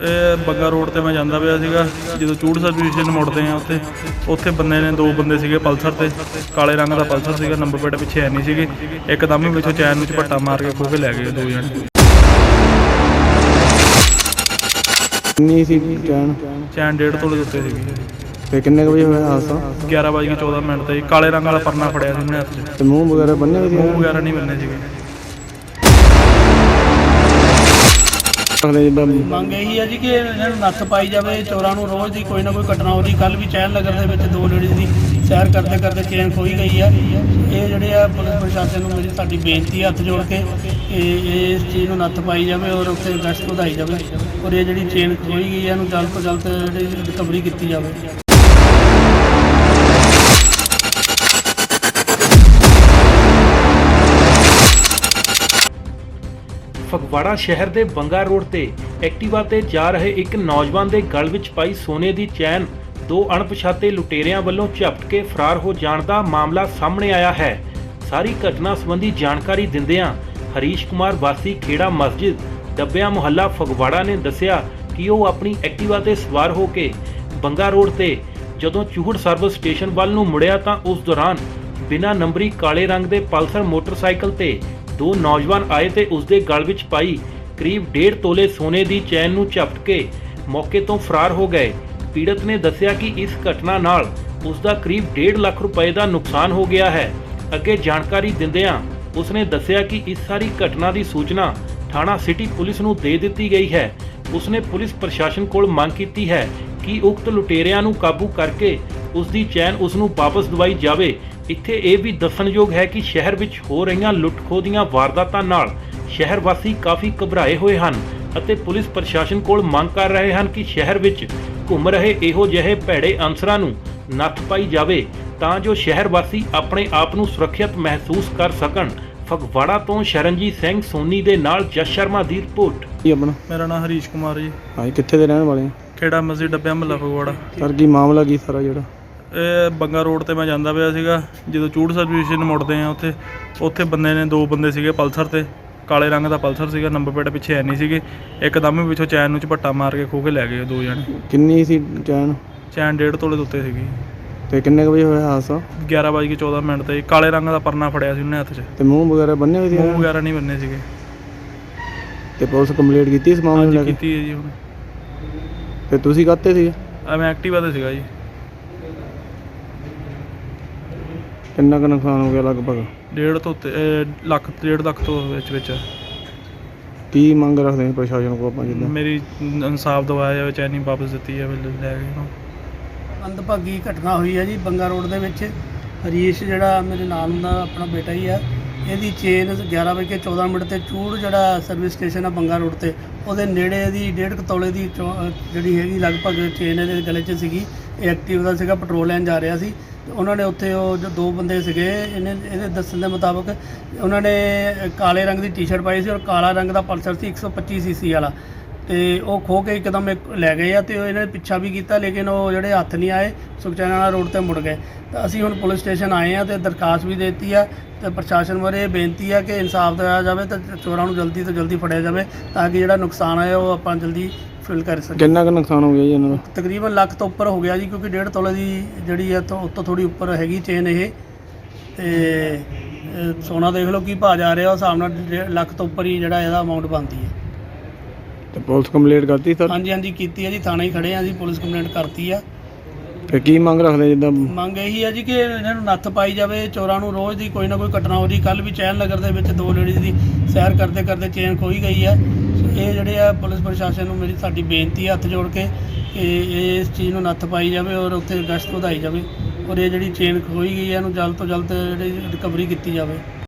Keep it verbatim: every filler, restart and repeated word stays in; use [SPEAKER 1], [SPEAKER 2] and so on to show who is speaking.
[SPEAKER 1] ਇਹ ਬੰਗਾ ਰੋਡ ਤੇ ਮੈਂ ਜਾਂਦਾ ਪਿਆ ਸੀਗਾ ਜਦੋਂ ਚੂੜ ਸਰਵਿਸ ਸਟੇਸ਼ਨ ਮੁੜਦੇ ਆ ਉੱਥੇ ਉੱਥੇ ਬੰਦੇ ਨੇ ਦੋ ਬੰਦੇ ਸੀਗੇ ਪਲਸਰ ਤੇ ਕਾਲੇ ਰੰਗ ਦਾ ਪਲਸਰ ਸੀਗਾ ਨੰਬਰ ਪਲੇਟ ਪਿੱਛੇ ਹੈ ਨਹੀਂ ਸੀਗੀ ਇੱਕਦਮ ਹੀ ਪਿੱਛੋਂ ਚੈਨ ਨੂੰ ਝਪੱਟਾ ਮਾਰ ਕੇ ਖੋਹ ਕੇ ਲੈ ਗਏ ਦੋ ਜਣੇ।
[SPEAKER 2] ਕਿੰਨੀ ਸੀ ਚੈਨ?
[SPEAKER 1] ਚੈਨ ਡੇਢ ਤੋਲੇ ਦੇ ਉੱਤੇ ਸੀਗੀ।
[SPEAKER 2] ਤੇ ਕਿੰਨੇ ਕੁ ਵਜੇ ਹੋਇਆ ਹਾਦਸਾ?
[SPEAKER 1] ਗਿਆਰਾਂ ਵੱਜ ਕੇ ਚੌਦਾਂ ਮਿੰਟ ਤੇ ਕਾਲੇ ਰੰਗ ਵਾਲਾ ਪਰਨਾ ਫੜਿਆ ਸੀ ਉਹਨੇ ਹੱਥ 'ਚ।
[SPEAKER 2] ਤੇ ਮੂੰਹ ਵਗੈਰਾ ਬੰਨਿਆ ਸੀ?
[SPEAKER 1] ਮੂੰਹ ਵਗੈਰਾ ਨਹੀਂ ਬੰਨੇ ਸੀਗੇ।
[SPEAKER 3] ਮੰਗ ਇਹੀ ਹੈ ਜੀ ਕਿ ਇਹਨਾਂ ਨੂੰ ਨੱਥ ਪਾਈ ਜਾਵੇ, ਚੋਰਾਂ ਨੂੰ ਰੋਜ਼ ਦੀ ਕੋਈ ਨਾ ਕੋਈ ਘਟਨਾ ਹੋ ਰਹੀ। ਕੱਲ੍ਹ ਵੀ ਚੈਨ ਨਗਰ ਦੇ ਵਿੱਚ ਦੋ ਲੇਡੀਜ਼ ਦੀ ਸੈਰ ਕਰਦੇ ਕਰਦੇ ਚੈਨ ਖੋਈ ਗਈ ਹੈ। ਇਹ ਜਿਹੜੇ ਆ ਪੁਲਿਸ ਪ੍ਰਸ਼ਾਸਨ ਨੂੰ ਮੇਰੀ ਸਾਡੀ ਬੇਨਤੀ ਹੈ ਹੱਥ ਜੋੜ ਕੇ ਕਿ ਇਸ ਚੀਜ਼ ਨੂੰ ਨੱਥ ਪਾਈ ਜਾਵੇ ਔਰ ਉੱਥੇ ਗਸ਼ਤ ਵਧਾਈ ਜਾਵੇ ਔਰ ਇਹ ਜਿਹੜੀ ਚੇਨ ਖੋਈ ਗਈ ਹੈ ਇਹਨੂੰ ਜਲਦ ਤੋਂ ਜਲਦ ਜਿਹੜੀ ਰਿਕਵਰੀ ਕੀਤੀ ਜਾਵੇ।
[SPEAKER 4] ਫਗਵਾੜਾ ਸ਼ਹਿਰ ਦੇ ਬੰਗਾ ਰੋਡ ਤੇ ਐਕਟਿਵਾ ਤੇ ਜਾ ਰਹੇ ਇੱਕ ਨੌਜਵਾਨ ਦੇ ਗਲ ਵਿੱਚ ਪਾਈ ਸੋਨੇ ਦੀ ਚੈਨ ਦੋ ਅਣਪਛਾਤੇ ਲੁਟੇਰਿਆਂ ਵੱਲੋਂ ਝਪਟ ਕੇ ਫਰਾਰ ਹੋ ਜਾਣ ਦਾ ਮਾਮਲਾ ਸਾਹਮਣੇ ਆਇਆ ਹੈ। ਸਾਰੀ ਘਟਨਾ ਸੰਬੰਧੀ ਜਾਣਕਾਰੀ ਦਿੰਦਿਆਂ ਹਰੀਸ਼ ਕੁਮਾਰ ਵਾਸੀ ਖੇੜਾ ਮਸਜਿਦ ਡੱਬਿਆਂ ਮੁਹੱਲਾ ਫਗਵਾੜਾ ਨੇ ਦੱਸਿਆ ਕਿ ਉਹ ਆਪਣੀ ਐਕਟਿਵਾ ਤੇ ਸਵਾਰ ਹੋ ਕੇ ਬੰਗਾ ਰੋਡ ਤੇ ਜਦੋਂ ਚੂਹੜ ਸਰਵਿਸ ਸਟੇਸ਼ਨ ਵੱਲ ਨੂੰ ਮੁੜਿਆ ਤਾਂ ਉਸ ਦੌਰਾਨ ਬਿਨਾਂ ਨੰਬਰੀ ਕਾਲੇ ਰੰਗ ਦੇ ਪਲਸਰ ਮੋਟਰਸਾਈਕਲ ਤੇ ਦੋ ਨੌਜਵਾਨ ਆਏ ਤੇ ਉਸ ਦੇ ਗਲ ਵਿੱਚ ਪਾਈ ਕਰੀਬ ਡੇਢ ਤੋਲੇ ਸੋਨੇ ਦੀ ਚੈਨ ਨੂੰ ਝਪਟ ਕੇ ਮੌਕੇ ਤੋਂ ਫਰਾਰ ਹੋ ਗਏ। ਪੀੜਤ ਨੇ ਦੱਸਿਆ ਕਿ ਇਸ ਘਟਨਾ ਨਾਲ ਉਸ ਦਾ ਕਰੀਬ ਡੇਢ ਲੱਖ ਰੁਪਏ ਦਾ ਨੁਕਸਾਨ ਹੋ ਗਿਆ ਹੈ। ਅੱਗੇ ਜਾਣਕਾਰੀ ਦਿੰਦਿਆਂ ਉਸ ਨੇ ਦੱਸਿਆ ਕਿ ਇਸ ਸਾਰੀ ਘਟਨਾ ਦੀ ਸੂਚਨਾ ਥਾਣਾ ਸਿਟੀ ਪੁਲਿਸ ਨੂੰ ਦੇ ਦਿੱਤੀ ਗਈ ਹੈ। ਉਸ ਨੇ ਪੁਲਿਸ ਪ੍ਰਸ਼ਾਸਨ ਕੋਲ ਮੰਗ ਕੀਤੀ ਹੈ ਕਿ ਉਕਤ ਲੁਟੇਰਿਆਂ ਨੂੰ ਕਾਬੂ ਕਰਕੇ ਉਸ ਦੀ ਚੈਨ ਉਸ ਨੂੰ ਵਾਪਸ ਦਿਵਾਈ ਜਾਵੇ। ਇੱਥੇ ਇਹ ਵੀ ਦੱਸਣਯੋਗ ਹੈ ਕਿ ਸ਼ਹਿਰ ਵਿੱਚ ਹੋ ਰਹੀਆਂ ਲੁੱਟ-ਖੋਹ ਦੀਆਂ ਵਾਰਦਾਤਾਂ ਨਾਲ ਸ਼ਹਿਰ ਵਾਸੀ ਕਾਫੀ ਘਬਰਾਏ ਹੋਏ ਹਨ ਅਤੇ ਪੁਲਿਸ ਪ੍ਰਸ਼ਾਸਨ ਕੋਲ ਮੰਗ ਕਰ ਰਹੇ ਹਨ ਕਿ ਸ਼ਹਿਰ ਵਿੱਚ ਘੁੰਮ ਰਹੇ ਇਹੋ ਜਿਹੇ ਭੈੜੇ ਅਨਸਰਾਂ ਨੂੰ ਨੱਥ ਪਾਈ ਜਾਵੇ ਤਾਂ ਜੋ ਸ਼ਹਿਰ ਵਾਸੀ ਆਪਣੇ ਆਪ ਨੂੰ ਸੁਰੱਖਿਅਤ ਮਹਿਸੂਸ ਕਰ ਸਕਣ। ਫਗਵਾੜਾ ਤੋਂ ਸ਼ਰਨਜੀਤ ਸਿੰਘ ਸੋਨੀ ਦੇ ਨਾਲ ਜਸ ਸ਼ਰਮਾ ਦੀ ਰਿਪੋਰਟ।
[SPEAKER 2] ਕੀ ਆਪਣਾ?
[SPEAKER 1] ਮੇਰਾ ਨਾਮ ਹਰੀਸ਼ ਕੁਮਾਰ ਜੀ।
[SPEAKER 2] ਹਾਂਜੀ, ਕਿੱਥੇ ਦੇ ਰਹਿਣ ਵਾਲੇ?
[SPEAKER 1] ਖੇੜਾ ਮਸਜਿਦ ਡੱਬਿਆਂ ਮੁਹੱਲਾ ਫਗਵਾੜਾ।
[SPEAKER 2] ਸਰ ਕੀ ਮਾਮਲਾ ਕੀ ਸਾਰਾ ਜਿਹੜਾ?
[SPEAKER 1] ਇਹ ਬੰਗਾ ਰੋਡ ਤੇ ਮੈਂ ਜਾਂਦਾ ਪਿਆ ਸੀਗਾ ਜਦੋਂ ਚੂੜ ਸਰਵਿਸ ਸਟੇਸ਼ਨ ਮੁੜਦੇ ਆ ਉੱਥੇ ਉੱਥੇ ਬੰਦੇ ਨੇ ਦੋ ਬੰਦੇ ਸੀਗੇ ਪਲਸਰ ਤੇ ਕਾਲੇ ਰੰਗ ਦਾ ਪਲਸਰ ਸੀਗਾ ਨੰਬਰ ਪਲੇਟ ਪਿੱਛੇ ਹੈ ਨਹੀਂ ਸੀਗੀ ਇੱਕਦਮ ਹੀ ਪਿੱਛੋਂ ਚੈਨ ਨੂੰ ਝਪੱਟਾ ਮਾਰ ਕੇ ਖੋਹ ਕੇ ਲੈ ਗਏ ਦੋ ਜਣੇ।
[SPEAKER 2] ਕਿੰਨੀ ਸੀ ਚੈਨ?
[SPEAKER 1] ਚੈਨ ਡੇਢ ਤੋਲੇ ਦੇ ਉੱਤੇ ਸੀਗੀ।
[SPEAKER 2] ਤੇ ਕਿੰਨੇ ਕੁ ਵਜੇ ਹੋਇਆ ਹਾਦਸਾ?
[SPEAKER 1] ਗਿਆਰਾਂ ਵੱਜ ਕੇ ਚੌਦਾਂ ਮਿੰਟ ਤੇ ਕਾਲੇ ਰੰਗ ਦਾ ਪਰਨਾ ਫੜਿਆ ਸੀ ਉਹਨੇ ਹੱਥ 'ਚ।
[SPEAKER 2] ਤੇ ਮੂੰਹ ਵਗੈਰਾ ਬੰਨਿਆ ਸੀ?
[SPEAKER 1] ਮੂੰਹ ਵਗੈਰਾ ਨਹੀਂ ਬੰਨੇ ਸੀਗੇ।
[SPEAKER 2] ਤੇ ਪੁਲਿਸ ਕੰਪਲੀਟ ਕੀਤੀ ਇਸ ਮਾਮਲੇ ਨੂੰ ਲੈ ਕੇ?
[SPEAKER 1] ਕੀਤੀ ਹੈ ਜੀ ਹੁਣ।
[SPEAKER 2] ਤੇ ਤੁਸੀਂ ਕਾਹਤੇ ਸੀ?
[SPEAKER 1] ਆ ਮੈਂ ਐਕਟਿਵਾ ਤੇ ਸੀਗਾ ਜੀ।
[SPEAKER 2] ਕਿੰਨਾ ਕੁ ਨੁਕਸਾਨ ਹੋ ਗਿਆ ਲਗਭਗ?
[SPEAKER 1] ਡੇਢ ਤੋਂ ਉੱਤੇ ਅਹ ਲੱਖ ਡੇਢ ਲੱਖ ਤੋਂ ਵਿੱਚ ਵਿੱਚ।
[SPEAKER 2] ਕੀ ਮੰਗ ਰੱਖਦੇ ਨੇ ਪ੍ਰਸ਼ਾਸਨ ਕੋਲ ਆਪਾਂ ਜਿੱਦਾਂ?
[SPEAKER 1] ਮੇਰੀ ਇਨਸਾਫ ਦਿਵਾਇਆ ਜਾਵੇ, ਚੈਨੀ ਵਾਪਸ ਦਿੱਤੀ ਜਾਵੇ ਲੈ ਕੇ।
[SPEAKER 3] ਮੰਦਭਾਗੀ ਘਟਨਾ ਹੋਈ ਹੈ ਜੀ ਬੰਗਾ ਰੋਡ ਦੇ ਵਿੱਚ। ਹਰੀਸ਼ ਜਿਹੜਾ ਮੇਰੇ ਨਾਲ ਦਾ ਆਪਣਾ ਬੇਟਾ ਹੀ ਆ, ਇਹਦੀ ਚੇਨ ਗਿਆਰਾਂ ਵਜੇ ਚੌਦਾਂ ਮਿੰਟ ਤੇ ਚੂੜ ਜਿਹੜਾ ਸਰਵਿਸ ਸਟੇਸ਼ਨ ਆ ਬੰਗਾ ਰੋਡ ਤੇ ਉਹਦੇ ਨੇੜੇ ਦੀ ਡੇਢ ਕੁ ਤੋਲੇ ਦੀ ਜਿਹੜੀ ਹੈਗੀ ਲਗਭਗ ਚੇਨ ਇਹਦੇ ਗਲੇ 'ਚ ਸੀਗੀ। ਇਹ ਐਕਟਿਵ ਦਾ ਸੀਗਾ, ਪੈਟਰੋਲ ਲੈਣ ਜਾ ਰਿਹਾ ਸੀ। ਉਹਨਾਂ ਨੇ ਉੱਥੇ ਉਹ ਜੋ ਦੋ ਬੰਦੇ ਸੀਗੇ ਇਹਨੇ ਇਹਦੇ ਦੱਸਣ ਦੇ ਮੁਤਾਬਕ ਉਹਨਾਂ ਨੇ ਕਾਲੇ ਰੰਗ ਦੀ ਟੀ-ਸ਼ਰਟ ਪਾਈ ਸੀ ਔਰ ਕਾਲਾ ਰੰਗ ਦਾ ਪਲਸਰ ਸੀ ਇੱਕ ਸੌ ਪੱਚੀ ਸੀ ਸੀ ਵਾਲਾ ਤੇ ਉਹ ਖੋਹ ਕੇ ਇੱਕਦਮ ਲੈ ਗਏ ਆ ਤੇ ਇਹਨਾਂ ਨੇ ਪਿੱਛਾ ਵੀ ਕੀਤਾ ਲੇਕਿਨ ਉਹ ਜਿਹੜੇ ਹੱਥ ਨਹੀਂ ਆਏ, ਸੁਖਚੈਨ ਵਾਲਾ ਰੋਡ ਤੇ ਮੁੜ ਗਏ। ਤਾਂ ਅਸੀਂ ਹੁਣ ਪੁਲਿਸ ਸਟੇਸ਼ਨ ਆਏ ਆ ਤੇ ਦਰਖਾਸਤ ਵੀ ਦੇ ਦਿੱਤੀ ਆ ਤੇ ਪ੍ਰਸ਼ਾਸਨ ਬਾਰੇ ਬੇਨਤੀ ਆ ਕਿ ਇਨਸਾਫ ਦਿਵਾਇਆ ਜਾਵੇ ਤੇ ਚੋਰਾਂ ਨੂੰ ਜਲਦੀ ਤੋਂ ਜਲਦੀ ਫੜਿਆ ਜਾਵੇ ਤਾਂ ਕਿ ਜਿਹੜਾ ਨੁਕਸਾਨ ਆਇਆ ਉਹ ਆਪਾਂ ਜਲਦੀ ਫਿਲ ਕਰ ਸਕੀਏ।
[SPEAKER 2] ਕਿੰਨਾ ਕੁ ਨੁਕਸਾਨ ਹੋ ਗਿਆ ਜੀ ਇਹਨਾਂ ਦਾ?
[SPEAKER 3] ਤਕਰੀਬਨ ਲੱਖ ਤੋਂ ਉੱਪਰ ਹੋ ਗਿਆ ਜੀ ਕਿਉਂਕਿ ਡੇਢ ਤੋਲੇ ਦੀ ਜਿਹੜੀ ਹੈ ਤੋਂ ਉੱਤੋਂ ਥੋੜੀ ਉੱਪਰ ਹੈਗੀ ਚੇਨ ਇਹ ਤੇ ਸੋਨਾ ਦੇਖ ਲਓ ਕੀ ਭਾਅ ਜਾ ਰਿਹਾ ਉਸ ਹਿਸਾਬ ਨਾਲ ਲੱਖ ਤੋਂ ਉੱਪਰ ਹੀ ਜਿਹੜਾ ਇਹਦਾ ਅਮਾਊਂਟ ਬਣਦੀ ਹੈ।
[SPEAKER 2] ਤੇ ਪੁਲਿਸ ਕੰਪਲੀਟ ਕਰਤੀ ਸਰ?
[SPEAKER 3] ਹਾਂਜੀ ਹਾਂਜੀ ਕੀਤੀ ਹੈ ਜੀ, ਥਾਣੇ ਹੀ ਖੜੇ ਆ ਜੀ, ਪੁਲਿਸ ਕੰਪਲੇਂਟ ਕਰਤੀ ਆ।
[SPEAKER 2] ਤੇ ਕੀ ਮੰਗ ਰੱਖਦੇ ਜਿੱਦਾਂ?
[SPEAKER 3] ਮੰਗ ਇਹੀ ਹੈ ਜੀ ਕਿ ਇਹਨਾਂ ਨੂੰ ਨੱਥ ਪਾਈ ਜਾਵੇ, ਚੋਰਾਂ ਨੂੰ ਰੋਜ਼ ਦੀ ਕੋਈ ਨਾ ਕੋਈ ਘਟਨਾ ਹੋ ਰਹੀ। ਕੱਲ੍ਹ ਵੀ ਚੈਨ ਨਗਰ ਦੇ ਵਿੱਚ ਦੋ ਲੇਡੀਜ਼ ਦੀ ਸੈਰ ਕਰਦੇ ਕਰਦੇ ਚੇਨ ਖੋਈ ਗਈ ਹੈ। ਇਹ ਜਿਹੜੇ ਆ ਪੁਲਿਸ ਪ੍ਰਸ਼ਾਸਨ ਨੂੰ ਮੇਰੀ ਸਾਡੀ ਬੇਨਤੀ ਹੈ ਹੱਥ ਜੋੜ ਕੇ ਕਿ ਇਸ ਚੀਜ਼ ਨੂੰ ਨੱਥ ਪਾਈ ਜਾਵੇ ਔਰ ਉੱਥੇ ਗਸ਼ਤ ਵਧਾਈ ਜਾਵੇ ਔਰ ਇਹ ਜਿਹੜੀ ਚੇਨ ਖੋਈ ਗਈ ਹੈ ਇਹਨੂੰ ਜਲਦ ਤੋਂ ਜਲਦ ਜਿਹੜੀ ਰਿਕਵਰੀ ਕੀਤੀ ਜਾਵੇ।